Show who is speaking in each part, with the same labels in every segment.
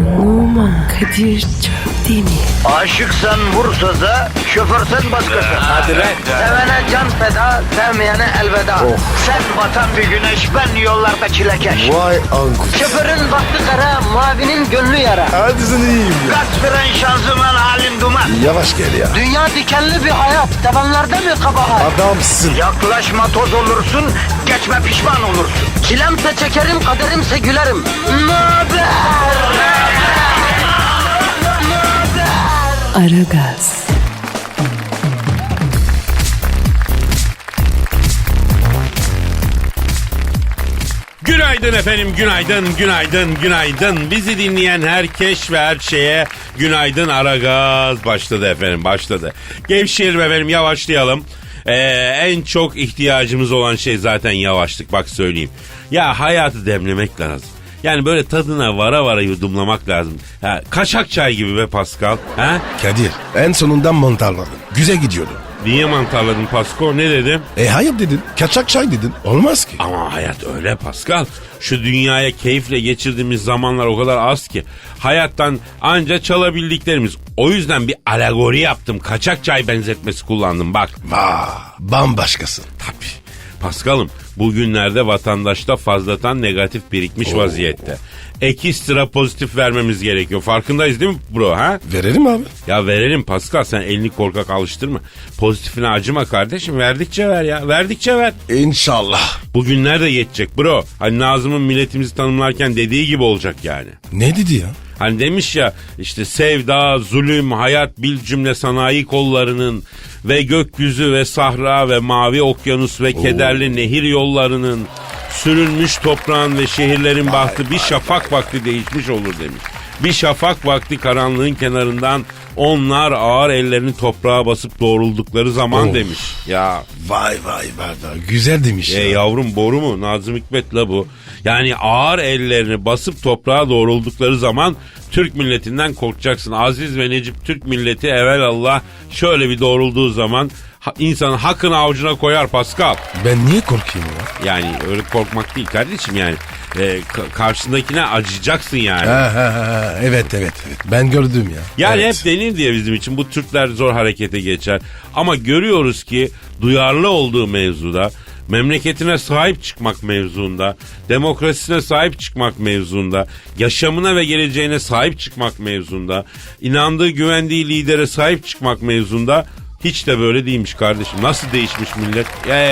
Speaker 1: Numan Kadir Çöpdemir.
Speaker 2: Aşıksan vursa da, şoförsen başkasın.
Speaker 3: Hadi lan.
Speaker 2: Sevene can feda, sevmeyene elveda. Sen batan bir güneş, ben yollarda çilekeş.
Speaker 3: Vay anku.
Speaker 2: Şoförün baktı kara, mavinin gönlü yara.
Speaker 3: Hadi sen iyiyim ya.
Speaker 2: Kasperen şanzıman halin duman.
Speaker 3: Yavaş gel ya.
Speaker 2: Dünya dikenli bir hayat, sevenlerde mi kabahar?
Speaker 3: Adamsın.
Speaker 2: Yaklaşma toz olursun, geçme pişman olursun. Çilemse çekerim, kaderimse gülerim. Möber!
Speaker 1: Aragaz.
Speaker 4: Günaydın efendim, günaydın. Bizi dinleyen herkes ve her şeye günaydın. Aragaz başladı efendim, başladı. Gevşeyelim efendim, yavaşlayalım. En çok ihtiyacımız olan şey zaten yavaşlık, bak söyleyeyim. Ya hayatı demlemek lazım. Yani böyle tadına vara vara yudumlamak lazım. Ha, kaşak çay gibi be Pascal. Ha?
Speaker 3: Kadir en sonundan mantarladın. Güzel gidiyordu.
Speaker 4: Niye mantarladın Pasko? Ne dedim?
Speaker 3: Hayır dedin. Kaçak çay dedin. Olmaz ki.
Speaker 4: Ama hayat öyle Pascal. Şu dünyaya keyifle geçirdiğimiz zamanlar o kadar az ki. Hayattan anca çalabildiklerimiz. O yüzden bir alegori yaptım. Kaçak çay benzetmesi kullandım bak.
Speaker 3: Vaa bambaşkasın.
Speaker 4: Tabii. Paskal'ım bugünlerde vatandaşta fazlatan negatif birikmiş vaziyette. Ekstra pozitif vermemiz gerekiyor. Farkındayız değil mi bro ha?
Speaker 3: Verelim abi.
Speaker 4: Ya verelim Pascal, sen elini korkak alıştırma. Pozitifine acıma kardeşim, verdikçe ver ya, verdikçe ver.
Speaker 3: İnşallah.
Speaker 4: Bugünler de yetecek bro. Hani Nazım'ın milletimizi tanımlarken dediği gibi olacak yani.
Speaker 3: Ne dedi ya?
Speaker 4: Hani demiş ya işte sevda, zulüm, hayat bil cümle sanayi kollarının ve gökyüzü ve sahra ve mavi okyanus ve kederli nehir yollarının sürülmüş toprağın ve şehirlerin bahtı bir şafak vakti değişmiş olur demiş. Bir şafak vakti karanlığın kenarından onlar ağır ellerini toprağa basıp doğruldukları zaman demiş. Ya
Speaker 3: Vay güzel demiş ya.
Speaker 4: yavrum boru mu? Nazım Hikmet la bu. Yani ağır ellerini basıp toprağa doğruldukları zaman Türk milletinden korkacaksın. Aziz ve Necip Türk milleti evelallah şöyle bir doğrulduğu zaman insanın hakkını avucuna koyar Pascal.
Speaker 3: Ben niye korkayım ya?
Speaker 4: Yani öyle korkmak değil kardeşim yani. Karşındakine acıyacaksın yani.
Speaker 3: Evet. Ben gördüm ya.
Speaker 4: Yani
Speaker 3: evet.
Speaker 4: hep denir diye bizim için bu Türkler zor harekete geçer. Ama görüyoruz ki duyarlı olduğu mevzuda, memleketine sahip çıkmak mevzuunda, demokrasisine sahip çıkmak mevzuunda, yaşamına ve geleceğine sahip çıkmak mevzuunda, inandığı güvendiği lidere sahip çıkmak mevzuunda hiç de böyle değilmiş kardeşim. Nasıl değişmiş millet?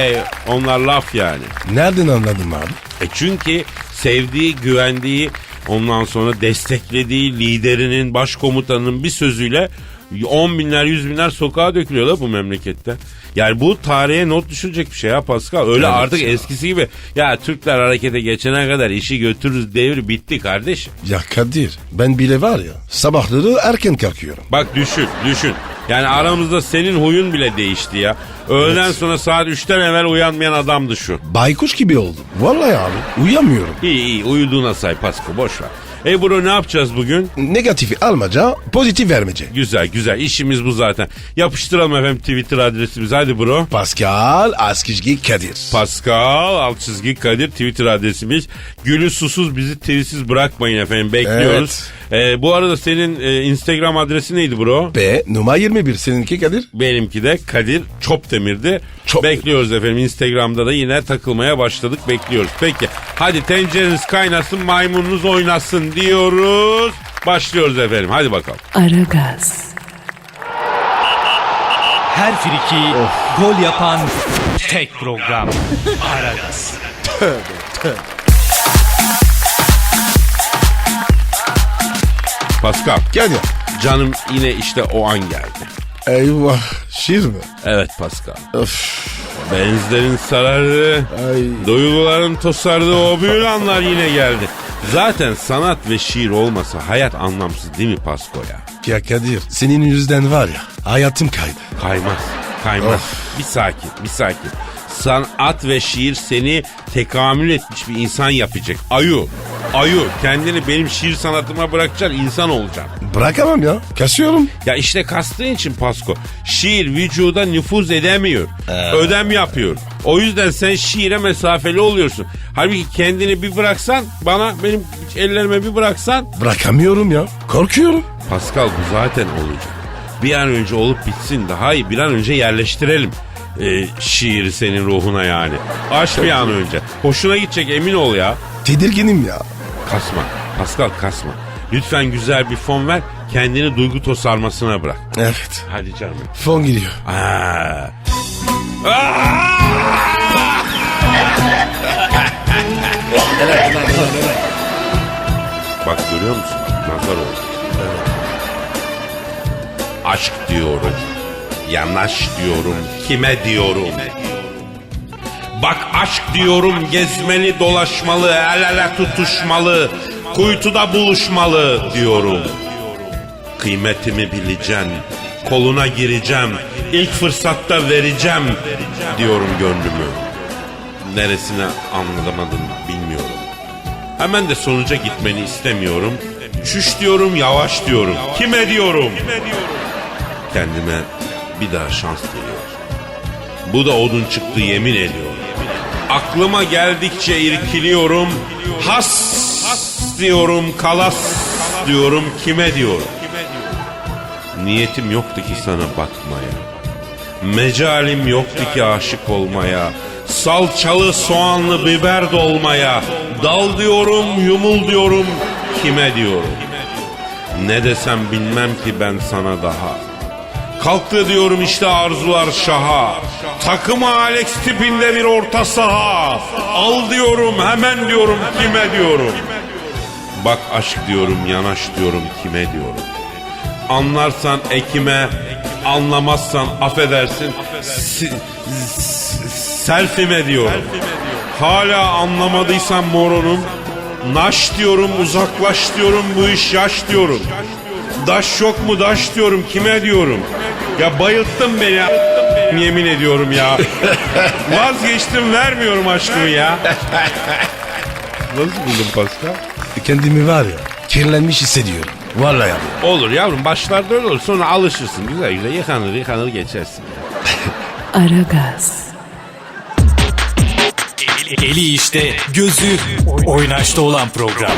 Speaker 4: Onlar laf yani.
Speaker 3: Nereden anladın abi?
Speaker 4: Çünkü sevdiği, güvendiği, ondan sonra desteklediği liderinin, başkomutanının bir sözüyle 10 binler, 100 binler sokağa dökülüyorlar bu memlekette. Yani bu tarihe not düşülecek bir şey ya Pascal. Öyle evet artık ya. Eskisi gibi ya Türkler harekete geçene kadar işi götürürüz devri bitti kardeşim.
Speaker 3: Ya Kadir ben bile var ya sabahları erken kalkıyorum.
Speaker 4: Bak düşün. Yani aramızda senin huyun bile değişti ya. Öğleden sonra saat 3'ten evvel uyanmayan adamdı şu.
Speaker 3: Baykuş gibi oldum. Vallahi abi uyuyamıyorum.
Speaker 4: İyi uyuduğuna say Pasko, boş ver. Bro ne yapacağız bugün?
Speaker 3: Negatifi almaca, pozitif vermece.
Speaker 4: Güzel. İşimiz bu zaten. Yapıştıralım efendim Twitter adresimizi. Hadi bro.
Speaker 3: Pascal Askizgi Kadir.
Speaker 4: Pascal Askizgi Kadir Twitter adresimiz. Gülü susuz bizi tweetsiz bırakmayın efendim. Bekliyoruz. Evet. Bu arada senin Instagram adresi neydi bro?
Speaker 3: Numara 21. Seninki Kadir?
Speaker 4: Benimki de Kadir Çopdemir'di. Bekliyoruz efendim. Instagram'da da yine takılmaya başladık. Bekliyoruz. Peki. Hadi tencereniz kaynasın, maymununuz oynasın diyoruz. Başlıyoruz efendim. Hadi bakalım.
Speaker 1: Aragaz.
Speaker 5: Her friki gol yapan tek program. Aragaz.
Speaker 3: Tövbe.
Speaker 4: Pascal.
Speaker 3: Gel ya.
Speaker 4: Canım yine işte o an geldi.
Speaker 3: Eyvah. Şiir mi?
Speaker 4: Evet Pascal.
Speaker 3: Öf.
Speaker 4: Benizlerin sarardığı, duyguların tosardığı o büyülü anlar yine geldi. Zaten sanat ve şiir olmasa hayat anlamsız değil mi Pasko ya?
Speaker 3: Ya Kadir senin yüzünden var ya hayatım kaydı.
Speaker 4: Kaymaz. Bir sakin. Sanat ve şiir seni tekamül etmiş bir insan yapacak. Ayu. Ayu kendini benim şiir sanatıma bırakacaksın, insan olacaksın.
Speaker 3: Bırakamam ya. Kasıyorum.
Speaker 4: Ya işte kastığın için Pasko. Şiir vücuda nüfuz edemiyor. Ödem yapıyor. O yüzden sen şiire mesafeli oluyorsun. Halbuki kendini bir bıraksan, benim ellerime bir bıraksan.
Speaker 3: Bırakamıyorum ya. Korkuyorum.
Speaker 4: Pascal bu zaten olacak. Bir an önce olup bitsin, daha iyi bir an önce yerleştirelim. Şiiri senin ruhuna yani. Aç bir an önce. Hoşuna gidecek, emin ol ya.
Speaker 3: Tedirginim ya.
Speaker 4: Kasma. Pascal kasma. Lütfen güzel bir fon ver. Kendini duygu tosarmasına bırak.
Speaker 3: Evet.
Speaker 4: Hadi canım.
Speaker 3: Fon giriyor.
Speaker 4: Bak görüyor musun? Nazar oldu. Aşk diyorum. Yanaş diyorum. Kime diyorum? Bak aşk diyorum, gezmeli dolaşmalı, el ele tutuşmalı, kuytuda buluşmalı diyorum. Kıymetimi bileceksin, koluna gireceğim, ilk fırsatta vereceğim diyorum gönlümü. Neresine anlamadım bilmiyorum. Hemen de sonuca gitmeni istemiyorum. Çüş diyorum, yavaş diyorum. Kime diyorum? Kendime bir daha şans diliyorum. Bu da odun çıktı yemin ediyorum. Aklıma geldikçe irkiliyorum. Has diyorum, kalas diyorum, kime diyorum? Niyetim yoktu ki sana bakmaya. Mecalim yoktu ki aşık olmaya. Salçalı soğanlı biber dolmaya. Dal diyorum, yumul diyorum, kime diyorum? Ne desem bilmem ki ben sana daha. Kalktı diyorum işte arzular şaha. Takımı Alex tipinde bir orta saha. Al diyorum, hemen diyorum, kime diyorum? Bak aşk diyorum, yanaş diyorum, kime diyorum? Anlarsan ekime, anlamazsan affedersin selfime diyorum. Hala anlamadıysan moronum, naş diyorum, uzaklaş diyorum, bu iş yaş diyorum. Daş yok mu daş diyorum, kime diyorum? Ya bayılttın beni ya. Yemin ediyorum ya. Vazgeçtim, vermiyorum aşkımı ya. Nasıl buldun Pascal?
Speaker 3: Kendimi var ya, kirlenmiş hissediyorum. Vallahi abi.
Speaker 4: Olur yavrum, başlarda öyle olur, sonra alışırsın. Güzel güzel yıkanır geçersin.
Speaker 1: Aragaz.
Speaker 5: Eli işte, gözü oynaşta olan program.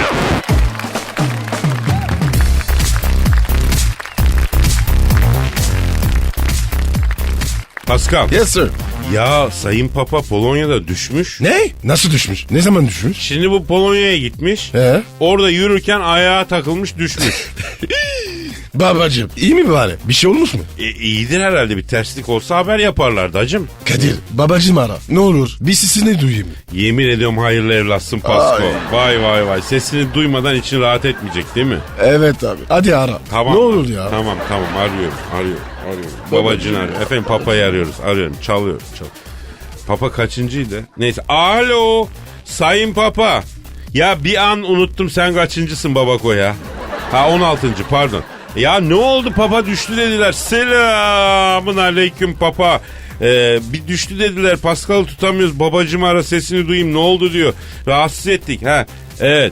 Speaker 4: Pascal.
Speaker 3: Yes sir.
Speaker 4: Ya Sayın Papa Polonya'da düşmüş.
Speaker 3: Ne? Nasıl düşmüş? Ne zaman düşmüş?
Speaker 4: Şimdi bu Polonya'ya gitmiş. Orada yürürken ayağa takılmış, düşmüş.
Speaker 3: Babacığım iyi mi bari? Bir şey olmuş mu?
Speaker 4: İyidir herhalde, bir terslik olsa haber yaparlardı hacım.
Speaker 3: Kadir babacığım ara. Ne olur bir sesini duyayım.
Speaker 4: Yemin ediyorum hayırlı evlatsın Pasko. Vay. Sesini duymadan için rahat etmeyecek değil mi?
Speaker 3: Evet abi. Hadi ara.
Speaker 4: Tamam.
Speaker 3: Ne olur ya.
Speaker 4: Tamam arıyorum. Babacını arıyor. Efendim Papa'yı arıyoruz. Arıyorum. Çalıyor. Papa kaçıncıydı? Neyse. Alo. Sayın Papa. Ya bir an unuttum, sen kaçıncısın babako ya? Ha 16. pardon. Ya ne oldu, Papa düştü dediler. Selamın aleyküm Papa. Bir düştü dediler, Pascal'ı tutamıyoruz, babacım ara sesini duyayım, ne oldu diyor. Rahatsız ettik. Ha evet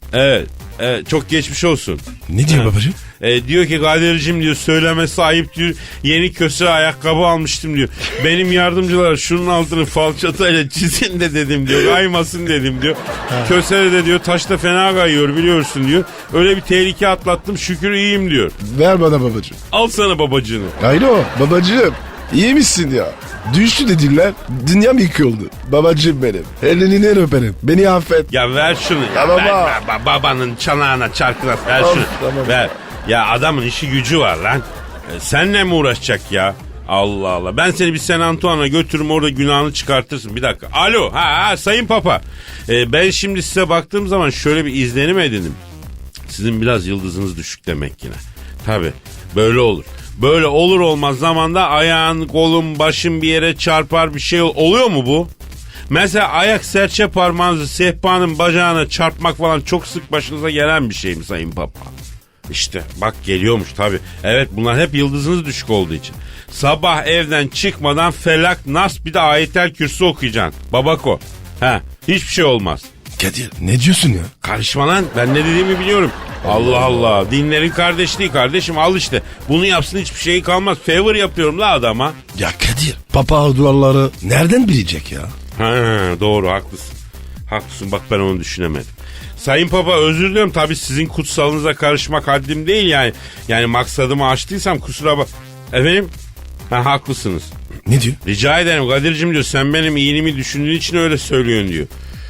Speaker 4: çok geçmiş olsun.
Speaker 3: Ne diyor babacığım?
Speaker 4: Diyor ki Kadir'cim diyor, söylemesi ayıp diyor, yeni köse ayakkabı almıştım diyor. Benim yardımcılar şunun altını falçatayla çizin de dedim diyor, kaymasın dedim diyor. Köse de diyor taşta fena kayıyor biliyorsun diyor. Öyle bir tehlike atlattım, şükür iyiyim diyor.
Speaker 3: Ver bana babacığım.
Speaker 4: Al sana babacığını.
Speaker 3: Alo babacığım. İyi misin ya? Düştü dediler. Dünya mı yıkıldı? Babacığım benim. Elinden öperim. Beni affet.
Speaker 4: Ya ver şunu.
Speaker 3: Ya baba.
Speaker 4: Ver, babanın çanağına çarkına ver şunu.
Speaker 3: Tamam.
Speaker 4: Ver. Ya adamın işi gücü var lan. Seninle mi uğraşacak ya? Allah Allah. Ben seni bir San Antoine'a götürürüm, orada günahını çıkartırsın. Bir dakika. Alo. Sayın Papa. Ben şimdi size baktığım zaman şöyle bir izlenim edindim. Sizin biraz yıldızınız düşük demek yine. Tabii. Böyle olur. Böyle olur olmaz zamanda ayağın, kolun, başın bir yere çarpar, bir şey oluyor mu bu? Mesela ayak serçe parmağınızı sehpanın bacağına çarpmak falan çok sık başınıza gelen bir şey mi Sayın Papa? İşte bak geliyormuş tabii. Evet, bunlar hep yıldızınız düşük olduğu için. Sabah evden çıkmadan Felak, Nas bir de Ayetel Kürsü okuyacaksın. Babako. Hiçbir şey olmaz.
Speaker 3: Kadir ne diyorsun ya?
Speaker 4: Karışma lan, ben ne dediğimi biliyorum. Allah Allah, dinlerin kardeşliği kardeşim, al işte. Bunu yapsın, hiçbir şey kalmaz. Favor yapıyorum la adama.
Speaker 3: Ya Kadir papa duvarları nereden bilecek ya?
Speaker 4: Ha, doğru, haklısın. Haklısın, bak ben onu düşünemedim. Sayın Papa, özür diliyorum, tabii sizin kutsalınıza karışmak haddim değil yani. Yani maksadımı aştıysam kusura bak. Efendim? Ha, haklısınız.
Speaker 3: Ne diyor?
Speaker 4: Rica ederim Kadir'cim diyor, sen benim iyiliğimi düşündüğün için öyle söylüyorsun diyor.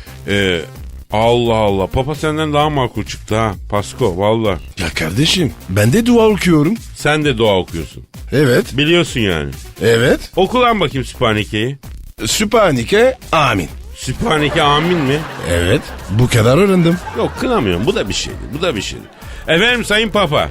Speaker 4: Allah Allah, Papa senden daha makul çıktı ha Pasko, valla.
Speaker 3: Ya kardeşim ben de dua okuyorum.
Speaker 4: Sen de dua okuyorsun.
Speaker 3: Evet.
Speaker 4: Biliyorsun yani.
Speaker 3: Evet.
Speaker 4: Oku lan bakayım Sübhaneke'yi.
Speaker 3: Sübhaneke amin.
Speaker 4: Sübhaneke amin mi?
Speaker 3: Evet. Bu kadar öğrendim.
Speaker 4: Yok, kınamıyorum, bu da bir şeydi, bu da bir şeydi. Efendim Sayın Papa.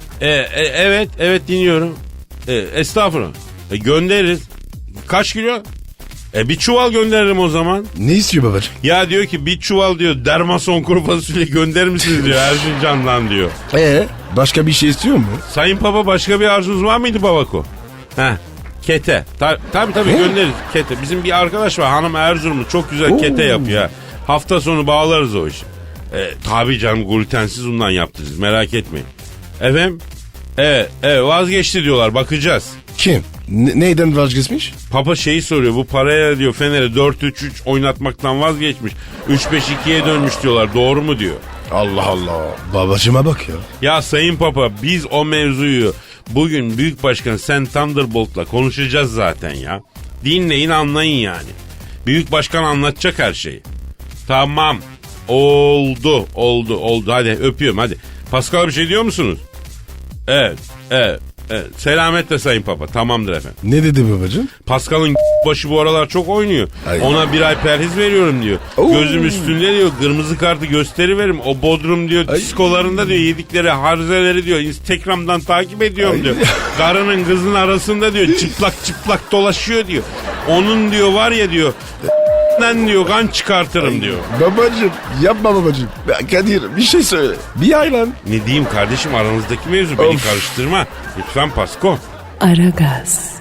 Speaker 4: Evet dinliyorum. Estağfurullah. Göndeririz. Kaç kilo? Bir çuval gönderirim o zaman.
Speaker 3: Ne istiyor babacığım?
Speaker 4: Ya diyor ki bir çuval diyor dermason kuru fasulye gönderir misiniz diyor Erzincan'dan diyor.
Speaker 3: Başka bir şey istiyor mu?
Speaker 4: Sayın Papa, başka bir arzunuz var mıydı babako? Heh. Kete. Tabii göndeririz kete. Bizim bir arkadaş var, hanım Erzurumlu, çok güzel kete yapıyor. Hafta sonu bağlarız o işi. Tabii canım, glutensiz undan yaptırırız, merak etmeyin. Efendim? Vazgeçti diyorlar, bakacağız.
Speaker 3: Kim? Neyden vazgeçmiş?
Speaker 4: Papa şeyi soruyor, bu paraya diyor Fener'e 4-3-3 oynatmaktan vazgeçmiş. 3-5-2'ye dönmüş diyorlar, doğru mu diyor.
Speaker 3: Allah Allah. Babacıma bak ya.
Speaker 4: Ya Sayın Papa, biz o mevzuyu bugün Büyük Başkan Sen Thunderbolt'la konuşacağız zaten ya. Dinleyin, anlayın yani. Büyük Başkan anlatacak her şeyi. Tamam. Oldu. Hadi öpüyorum hadi. Pascal, bir şey diyor musunuz? Evet. Selametle Sayın Papa. Tamamdır efendim.
Speaker 3: Ne dedi babacığım?
Speaker 4: Pascal'ın başı bu aralar çok oynuyor.
Speaker 3: Ay.
Speaker 4: Ona bir ay perhiz veriyorum diyor.
Speaker 3: Oo.
Speaker 4: Gözüm üstünde diyor. Kırmızı kartı gösteriverim. O Bodrum diyor diskolarında diyor yedikleri harzeleri diyor Instagram'dan takip ediyorum
Speaker 3: Ay.
Speaker 4: diyor. Karının kızın arasında diyor çıplak dolaşıyor diyor. Onun diyor var ya diyor diyor kan çıkartırım diyor.
Speaker 3: Babacığım yapma babacığım. Kadir bir şey söyle. Bir aylan.
Speaker 4: Ne diyeyim kardeşim, aranızdaki mevzu, beni karıştırma. Lütfen Pasko.
Speaker 1: Aragaz,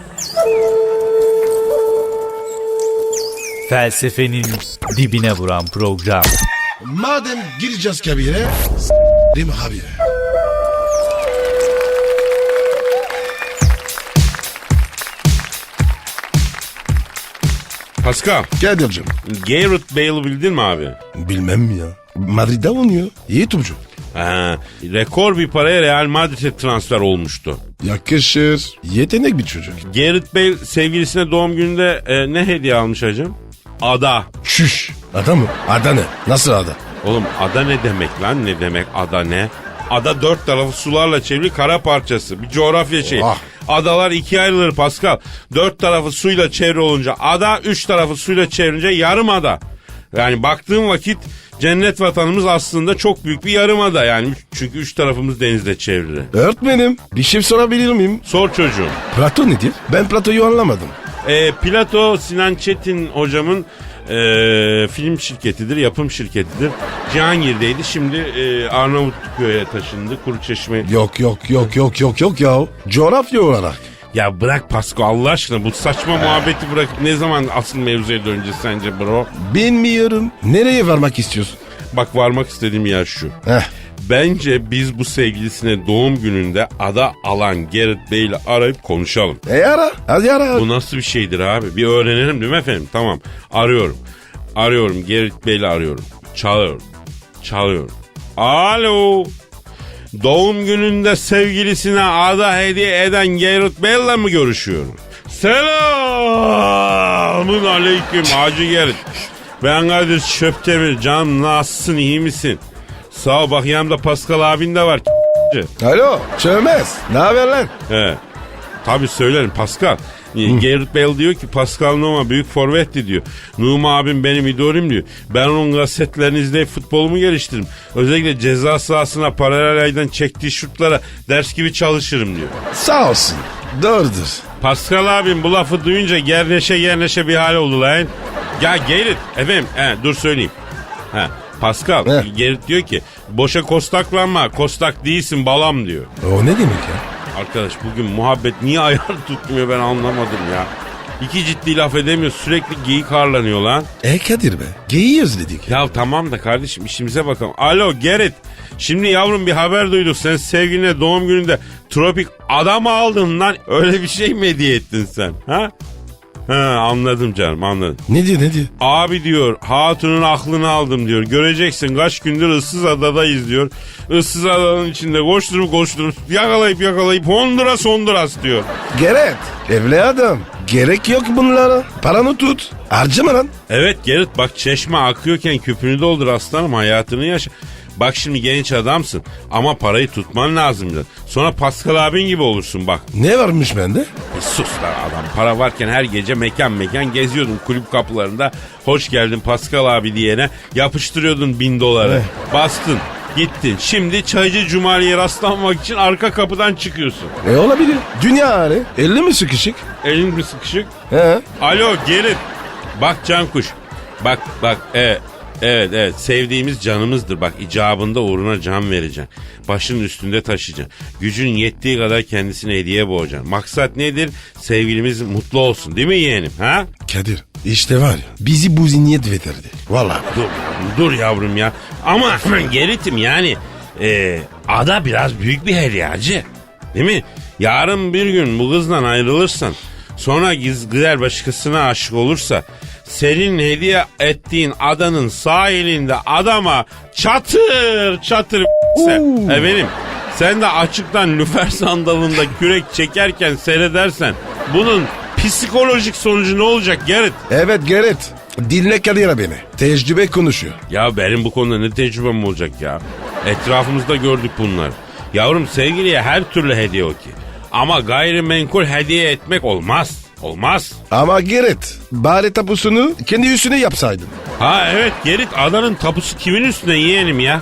Speaker 5: Felsefenin dibine vuran program.
Speaker 3: Madem gireceğiz kabire. S***rim habire.
Speaker 4: Pascal,
Speaker 3: Kadir'cim.
Speaker 4: Gareth Bale'ı bildin mi abi?
Speaker 3: Bilmem mi ya. Madrid'de oynuyor. İyi topçu.
Speaker 4: Rekor bir paraya Real Madrid'e transfer olmuştu.
Speaker 3: Yakışır. Yetenek bir çocuk.
Speaker 4: Gareth Bale sevgilisine doğum gününde ne hediye almış hacım? Ada.
Speaker 3: Şüş. Ada mı? Ada ne? Nasıl ada?
Speaker 4: Oğlum ada ne demek lan, ne demek ada ne? Ada dört tarafı sularla çevrili kara parçası. Bir coğrafya şeyi.
Speaker 3: Ah.
Speaker 4: Adalar ikiye ayrılır Pascal. Dört tarafı suyla çevre olunca ada, üç tarafı suyla çevrince yarım ada. Yani baktığım vakit cennet vatanımız aslında çok büyük bir yarımada yani. Çünkü üç tarafımız denizle çevrili.
Speaker 3: Öğretmenim bir şey sorabilir miyim?
Speaker 4: Sor çocuğum.
Speaker 3: Plato nedir? Ben Plato'yu anlamadım.
Speaker 4: Plato Sinan Çetin hocamın film şirketidir, yapım şirketidir. Cihangir'deydi, şimdi Arnavutköy'e taşındı, Kuruçeşme.
Speaker 3: Yok ya. Coğrafya olarak.
Speaker 4: Ya bırak Pasko Allah aşkına, bu saçma muhabbeti bırak. Ne zaman asıl mevzuya döneceğiz sence bro?
Speaker 3: Bilmiyorum. Nereye varmak istiyorsun?
Speaker 4: Bak, varmak istediğim yer şu.
Speaker 3: Heh.
Speaker 4: Bence biz bu sevgilisine doğum gününde ada alan Gareth Bale'i arayıp konuşalım.
Speaker 3: Ara. Hadi ara.
Speaker 4: Bu nasıl bir şeydir abi? Bir öğrenelim değil mi efendim? Tamam. Arıyorum. Gareth Bale'i arıyorum. Çalıyorum. Alo. Doğum gününde sevgilisine ada hediye eden Gareth Bale'la mı görüşüyorum? Selamun aleyküm Hacı Gareth. Ben Kadir Şöptemir. Canım nasılsın, iyi misin? Sağ ol, bak yanımda Pascal abin de var.
Speaker 3: Alo. Çömez. Ne haber lan?
Speaker 4: He. Tabii söylerim Pascal. Gareth Bale diyor ki Pascal Numa büyük forvetti diyor. Numa abim benim idolüm diyor. Ben onun kasetlerini izleyip futbolumu geliştiririm. Özellikle ceza sahasına paralel aydan çektiği şutlara ders gibi çalışırım diyor.
Speaker 3: Sağ olsun. Doğrudur.
Speaker 4: Pascal abim bu lafı duyunca gerneşe bir hal oldu lan. Ya Gareth efendim dur söyleyeyim. Pascal Gareth diyor ki boşa kostaklanma, kostak değilsin balam diyor.
Speaker 3: O ne demek ya?
Speaker 4: Arkadaş bugün muhabbet niye ayar tutmuyor ben anlamadım ya. İki ciddi laf edemiyor, sürekli geyik harlanıyor lan.
Speaker 3: Kadir be. Geyiği özledik.
Speaker 4: Ya tamam da kardeşim işimize bakalım. Alo Gerrit. Şimdi yavrum bir haber duyduk. Sen sevgiline doğum gününde tropik adam aldın lan. Öyle bir şey mi hediye ettin sen? Ha? Anladım canım, anladım.
Speaker 3: Ne diyor?
Speaker 4: Abi diyor hatunun aklını aldım diyor. Göreceksin kaç gündür ıssız adadayız diyor. Issız adanın içinde koşturup yakalayıp Honduras diyor.
Speaker 3: Gerek. Evli adam. Gerek yok bunlara. Paranı tut. Harcama lan.
Speaker 4: Evet Gerrit, bak çeşme akıyorken küpünü doldur aslanım, hayatını yaşa. Bak şimdi genç adamsın ama parayı tutman lazım. Sonra Pascal abin gibi olursun bak.
Speaker 3: Ne varmış bende?
Speaker 4: Sus lan adam, para varken her gece mekan geziyordun kulüp kapılarında. Hoş geldin Pascal abi diyene yapıştırıyordun $1000. Bastın gittin. Şimdi Çaycı Cumali'ye rastlanmak için arka kapıdan çıkıyorsun.
Speaker 3: Olabilir. Dünya hali. 50 mi sıkışık?
Speaker 4: Elin mi sıkışık?
Speaker 3: He.
Speaker 4: Alo Gerrit. Bak Cankuş. Bak evet sevdiğimiz canımızdır. Bak icabında uğruna can vereceksin. Başının üstünde taşıyacaksın. Gücün yettiği kadar kendisine hediye boğacaksın. Maksat nedir? Sevgilimiz mutlu olsun değil mi yeğenim? Ha?
Speaker 3: Kadir işte var ya bizi bu zihniyet veterdi. Vallahi.
Speaker 4: Dur yavrum ya. Ama Gerrit'im yani ada biraz büyük bir hediye. Değil mi? Yarın bir gün bu kızdan ayrılırsan, sonra gider başkasına aşık olursa, senin hediye ettiğin adanın sahilinde adama çatır efendim, sen de açıktan lüfer sandalında kürek çekerken seyredersen bunun psikolojik sonucu ne olacak Gerrit?
Speaker 3: Evet Gerrit. Dinle Kadir beni. Tecrübe konuşuyor.
Speaker 4: Ya benim bu konuda ne tecrübem olacak ya? Etrafımızda gördük bunlar. Yavrum sevgiliye her türlü hediye okey. Ama gayrimenkul hediye etmek olmaz. Olmaz.
Speaker 3: Ama Gerrit bari tapusunu kendi üstüne yapsaydın.
Speaker 4: Ha evet Gerrit, adanın tapusu kimin üstüne yeğenim ya?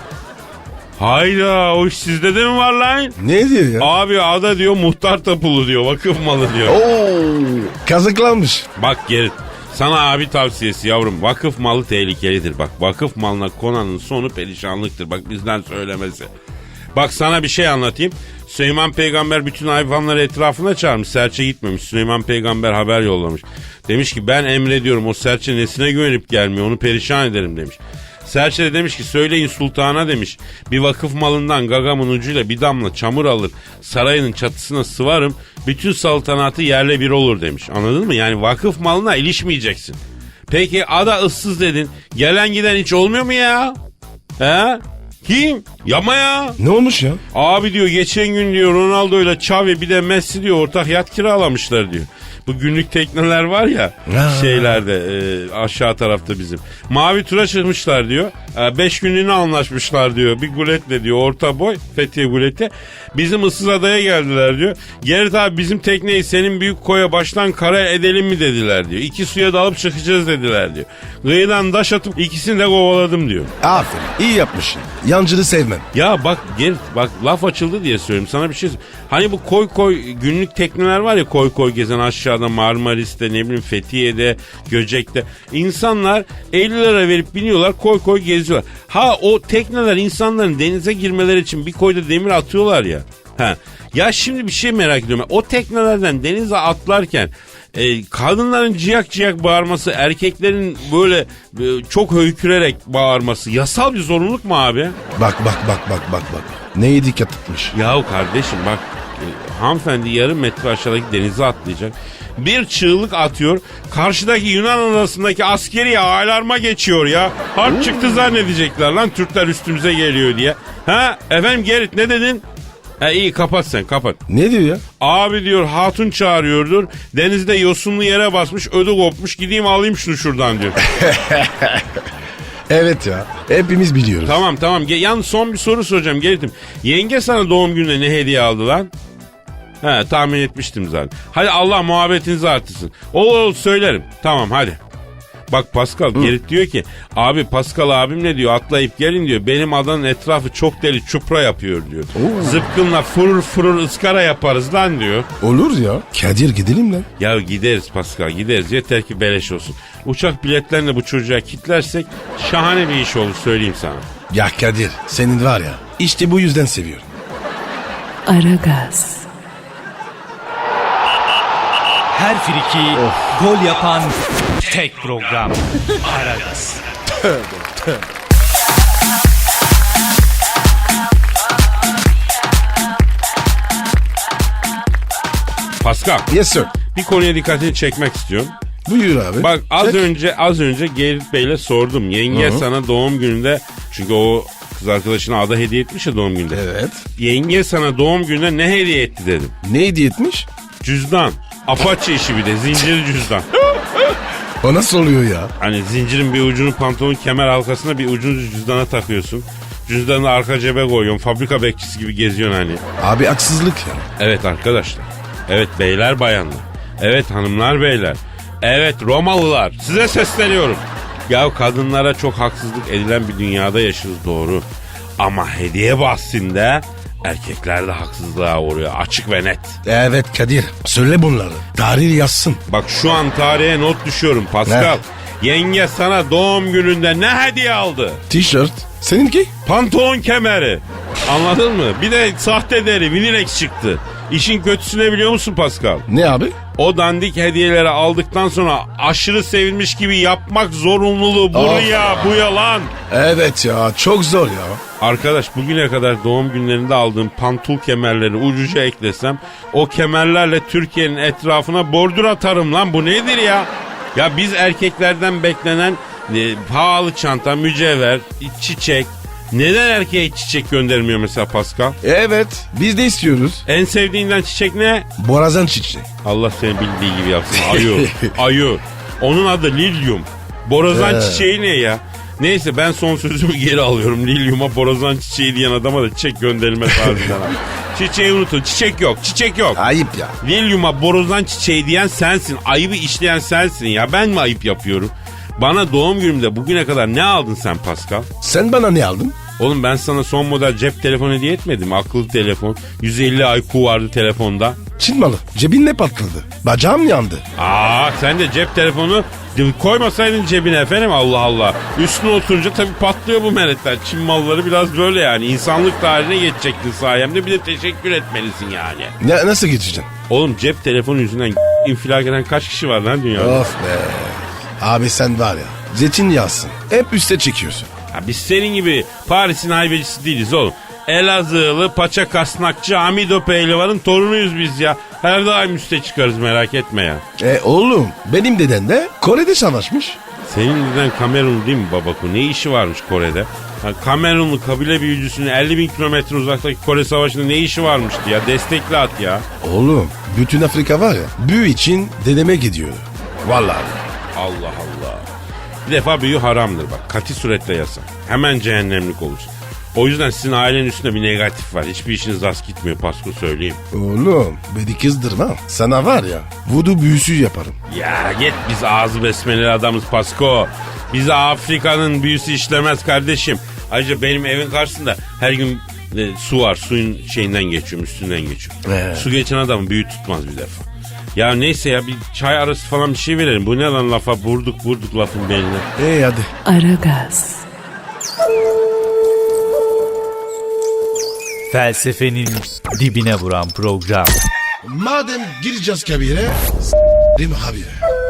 Speaker 4: Hayda, o iş sizde de mi var lan?
Speaker 3: Ne diyor ya?
Speaker 4: Abi ada diyor muhtar tapulu diyor, vakıf malı diyor.
Speaker 3: Oo, kazıklanmış.
Speaker 4: Bak Gerrit, sana abi tavsiyesi yavrum, vakıf malı tehlikelidir. Bak vakıf malına konanın sonu perişanlıktır. Bak bizden söylemesi. Bak sana bir şey anlatayım. Süleyman Peygamber bütün hayvanları etrafına çağırmış. Serçe gitmemiş. Süleyman Peygamber haber yollamış. Demiş ki ben emrediyorum, o serçe nesine güvenip gelmiyor, onu perişan ederim demiş. Serçe de demiş ki söyleyin sultana demiş. Bir vakıf malından gagamın ucuyla bir damla çamur alır, sarayının çatısına sıvarım, bütün saltanatı yerle bir olur demiş. Anladın mı? Yani vakıf malına ilişmeyeceksin. Peki ada ıssız dedin. Gelen giden hiç olmuyor mu ya? He? Kim? Yapma ya.
Speaker 3: Ne olmuş ya?
Speaker 4: Abi diyor geçen gün diyor Ronaldo ile Xavi bir de Messi diyor ortak yat kiralamışlar diyor. Bu günlük tekneler var ya şeylerde aşağı tarafta bizim. Mavi tura çıkmışlar diyor. 5 günlüğüne anlaşmışlar diyor. Bir guletle diyor orta boy Fethiye guleti. Bizim ıssız adaya geldiler diyor. Gerrit abi bizim tekneyi senin büyük koya baştan kara edelim mi dediler diyor. 2 suya dalıp çıkacağız dediler diyor. Kıyıdan taş atıp ikisini de kovaladım diyor.
Speaker 3: Aferin iyi yapmışsın. Yancını sevmem.
Speaker 4: Ya bak Gerrit bak laf açıldı diye söyleyeyim sana bir şey. Hani bu koy günlük tekneler var ya, koy gezen aşağıda Marmaris'te ne bileyim Fethiye'de, Göcek'te. İnsanlar 50 lira verip biniyorlar koy geziyorlar. Ha o tekneler insanların denize girmeleri için bir koyda demir atıyorlar ya. Ha. Ya şimdi bir şey merak ediyorum. O teknelerden denize atlarken kadınların ciyak bağırması, erkeklerin böyle çok höykürerek bağırması yasal bir zorunluluk mu abi?
Speaker 3: Bak. Neye dikkat etmiş?
Speaker 4: Yahu kardeşim bak hanımefendi yarım metre aşağıdaki denize atlayacak. Bir çığlık atıyor. Karşıdaki Yunan adasındaki askeri alarma geçiyor ya. Harp çıktı zannedecekler lan, Türkler üstümüze geliyor diye. Ha efendim Gerrit ne dedin? İyi kapat sen kapat.
Speaker 3: Ne diyor ya?
Speaker 4: Abi diyor hatun çağırıyordur. Denizde yosunlu yere basmış, ödü kopmuş, gideyim alayım şunu şuradan diyor.
Speaker 3: Evet ya hepimiz biliyoruz.
Speaker 4: Tamam. Yalnız son bir soru soracağım Gerrit'im. Yenge sana doğum gününe ne hediye aldı lan? He tahmin etmiştim zaten. Hadi Allah muhabbetinizi artırsın. Olur söylerim. Tamam hadi. Bak Pascal Gerrit diyor ki abi Pascal abim ne diyor, atlayıp gelin diyor. Benim adanın etrafı çok deli çupra yapıyor diyor. Zıpkınla fırır ıskara yaparız lan diyor.
Speaker 3: Olur ya. Kadir gidelim lan.
Speaker 4: Ya gideriz Pascal gideriz, yeter ki beleş olsun. Uçak biletlerini bu çocuğa kitlersek şahane bir iş olur söyleyeyim sana.
Speaker 3: Ya Kadir senin var ya işte bu yüzden seviyorum.
Speaker 1: Aragaz.
Speaker 5: Her friki gol yapan tek program. Aragaz.
Speaker 4: Pascal,
Speaker 3: Yes sir.
Speaker 4: bir konuya dikkatini çekmek istiyorum.
Speaker 3: Buyur abi.
Speaker 4: Bak
Speaker 3: Çek.
Speaker 4: az önce Gerrit Bey'le sordum. Yenge sana doğum gününde, çünkü o kız arkadaşına ada hediye etmiş ya doğum gününde.
Speaker 3: Evet.
Speaker 4: Yenge sana doğum gününde ne hediye etti dedim.
Speaker 3: Ne hediye etmiş?
Speaker 4: Cüzdan. Apache işi bir de, zincirli cüzdan.
Speaker 3: O nasıl oluyor ya?
Speaker 4: Hani zincirin bir ucunu pantolonun kemer halkasına, bir ucunu cüzdana takıyorsun. Cüzdanı arka cebe koyuyorsun. Fabrika bekçisi gibi geziyorsun hani.
Speaker 3: Abi haksızlık ya.
Speaker 4: Evet arkadaşlar. Evet beyler bayanlar. Evet hanımlar beyler. Evet Romalılar. Size sesleniyorum. Ya kadınlara çok haksızlık edilen bir dünyada yaşıyoruz, doğru. Ama hediye bahsinde erkekler de haksızlığa uğruyor. Açık ve net.
Speaker 3: Evet Kadir. Söyle bunları. Tarih yazsın.
Speaker 4: Bak şu an tarihe not düşüyorum Pascal. Yenge sana doğum gününde ne hediye aldı?
Speaker 3: Tişört. Seninki?
Speaker 4: Pantolon kemeri. Anladın mı? Bir de sahte deri, Minilex çıktı. İşin kötüsü ne biliyor musun Pascal?
Speaker 3: Ne abi?
Speaker 4: O dandik hediyeleri aldıktan sonra aşırı sevilmiş gibi yapmak zorunluluğu bu yalan.
Speaker 3: Evet ya çok zor ya.
Speaker 4: Arkadaş bugüne kadar doğum günlerinde aldığım pantul kemerleri ucuca eklesem o kemerlerle Türkiye'nin etrafına bordür atarım lan, bu nedir ya? Ya biz erkeklerden beklenen pahalı çanta, mücevher, çiçek. Neden erkeğe çiçek göndermiyor mesela Pascal?
Speaker 3: Evet biz de istiyoruz.
Speaker 4: En sevdiğinden çiçek ne?
Speaker 3: Borazan çiçeği.
Speaker 4: Allah seni bildiği gibi yapsın. Ayı. Onun adı lilyum. Borazan çiçeği ne ya? Neyse ben son sözümü geri alıyorum. Lilyuma borazan çiçeği diyen adama da çiçek gönderilmez harbiden. Çiçeği unutun. Çiçek yok.
Speaker 3: Ayıp ya.
Speaker 4: Lilyuma borazan çiçeği diyen sensin. Ayıbı işleyen sensin ya. Ben mi ayıp yapıyorum? Bana doğum günümde bugüne kadar ne aldın sen Pascal?
Speaker 3: Sen bana ne aldın?
Speaker 4: Oğlum ben sana son model cep telefonu hediye etmedim. Akıllı telefon. 150 IQ vardı telefonda.
Speaker 3: Çin malı. Cebin ne patladı? Bacağım yandı.
Speaker 4: Sen de cep telefonu koymasaydın cebine efendim, Allah Allah. Üstüne oturunca tabii patlıyor bu meretler. Çin malları biraz böyle yani. İnsanlık tarihine geçecektin sayemde, bir de teşekkür etmelisin yani.
Speaker 3: Nasıl geçeceksin?
Speaker 4: Oğlum cep telefonu yüzünden infilak eden kaç kişi var lan dünyada?
Speaker 3: Of be. Abi sen var ya zeytinyağsın. Hep üste çekiyorsun.
Speaker 4: Ya biz senin gibi Paris'in haybecisi değiliz oğlum. Elazığlı paça kasnakçı Hamido Pehlivan'ın torunuyuz biz ya. Her daim üste çıkarız, merak etme ya.
Speaker 3: Oğlum benim deden de Kore'de savaşmış.
Speaker 4: Senin deden Kamerun değil mi babako? Ne işi varmış Kore'de? Kamerunlu kabile büyücüsünün 50 bin kilometre uzaktaki Kore Savaşı'nda ne işi varmıştı ya? Destekli at ya.
Speaker 3: Oğlum bütün Afrika var ya büyü için dedeme gidiyor. Vallahi.
Speaker 4: Allah Allah. Bir defa büyü haramdır bak. Kati suretle yasak. Hemen cehennemlik olursun. O yüzden sizin ailenin üstünde bir negatif var. Hiçbir işiniz rast gitmiyor Pasko, söyleyeyim.
Speaker 3: Oğlum beni kızdırma. Sana var ya vudu büyüsü yaparım.
Speaker 4: Ya git, biz ağzı besmeleli adamız Pasko. Bize Afrika'nın büyüsü işlemez kardeşim. Ayrıca benim evin karşısında her gün su var. Suyun şeyinden geçiyorum, üstünden geçiyorum. Su geçen adamın büyü tutmaz bir defa. Ya neyse ya, bir çay arası falan bir şey verelim. Bu ne lan, lafa vurduk lafın beline.
Speaker 3: Hadi.
Speaker 1: Aragaz,
Speaker 5: Felsefenin dibine vuran program.
Speaker 3: Madem gireceğiz kabire değil mi abi?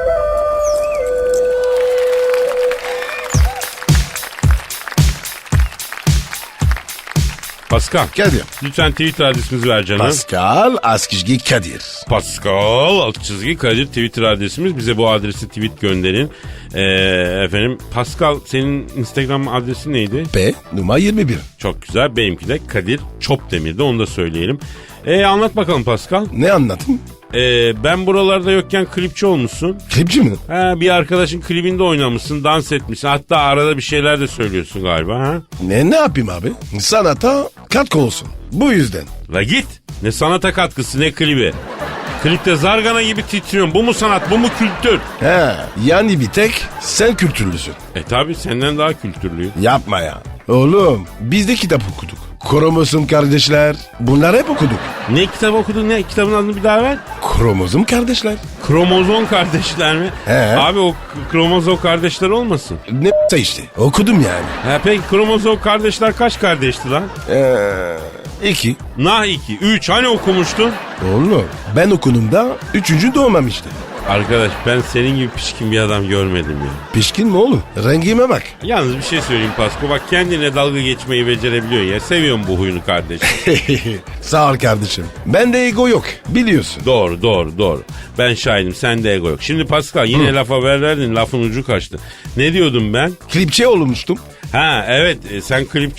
Speaker 4: Pascal,
Speaker 3: Kadir.
Speaker 4: lütfen Twitter adresimizi ver canım.
Speaker 3: Pascal Askizgi Kadir.
Speaker 4: Pascal _ Kadir Twitter adresimiz. Bize bu adresi tweet gönderin. Efendim Pascal, senin Instagram adresin neydi?
Speaker 3: P numara 21.
Speaker 4: Çok güzel. Benimki de Kadir Çopdemir'de, onu da söyleyelim. Anlat bakalım Pascal.
Speaker 3: Ne anlatayım?
Speaker 4: Ben buralarda yokken klipçi olmuşsun.
Speaker 3: Klipçi mi?
Speaker 4: Bir arkadaşın klibinde oynamışsın, dans etmişsin. Hatta arada bir şeyler de söylüyorsun galiba. Ha?
Speaker 3: Ne yapayım abi? Sanata katkı olsun. Bu yüzden.
Speaker 4: La git. Ne sanata katkısı ne klibi. Klipte zargana gibi titriyorsun. Bu mu sanat, bu mu kültür?
Speaker 3: Yani bir tek sen kültürlüsün.
Speaker 4: Tabi senden daha kültürlüyüm.
Speaker 3: Yapma ya. Oğlum biz de kitap okuduk. Kromozom kardeşler. Bunları hep okuduk.
Speaker 4: Ne kitap okudun, ne kitabın adını bir daha ver?
Speaker 3: Kromozom kardeşler.
Speaker 4: Kromozom kardeşler mi?
Speaker 3: He.
Speaker 4: Abi o kromozom kardeşler olmasın?
Speaker 3: Ne işte. Okudum yani.
Speaker 4: Ha, peki kromozom kardeşler kaç kardeşti lan?
Speaker 3: 2.
Speaker 4: Nah 2, 3 hani okumuştun?
Speaker 3: Oğlum ben okunumda 3. doğmamıştı.
Speaker 4: Arkadaş ben senin gibi pişkin bir adam görmedim ya.
Speaker 3: Pişkin mi oğlum? Rengime bak.
Speaker 4: Yalnız bir şey söyleyeyim Pasko, bak kendine dalga geçmeyi becerebiliyor ya. Seviyorum bu huyunu kardeşim.
Speaker 3: Sağ ol kardeşim. Bende ego yok biliyorsun.
Speaker 4: Doğru. Ben şahidim, sende ego yok. Şimdi Pascal yine lafa verdin, lafın ucu kaçtı. Ne diyordum ben?
Speaker 3: Klipçi olmuştum.
Speaker 4: Ha evet, sen klip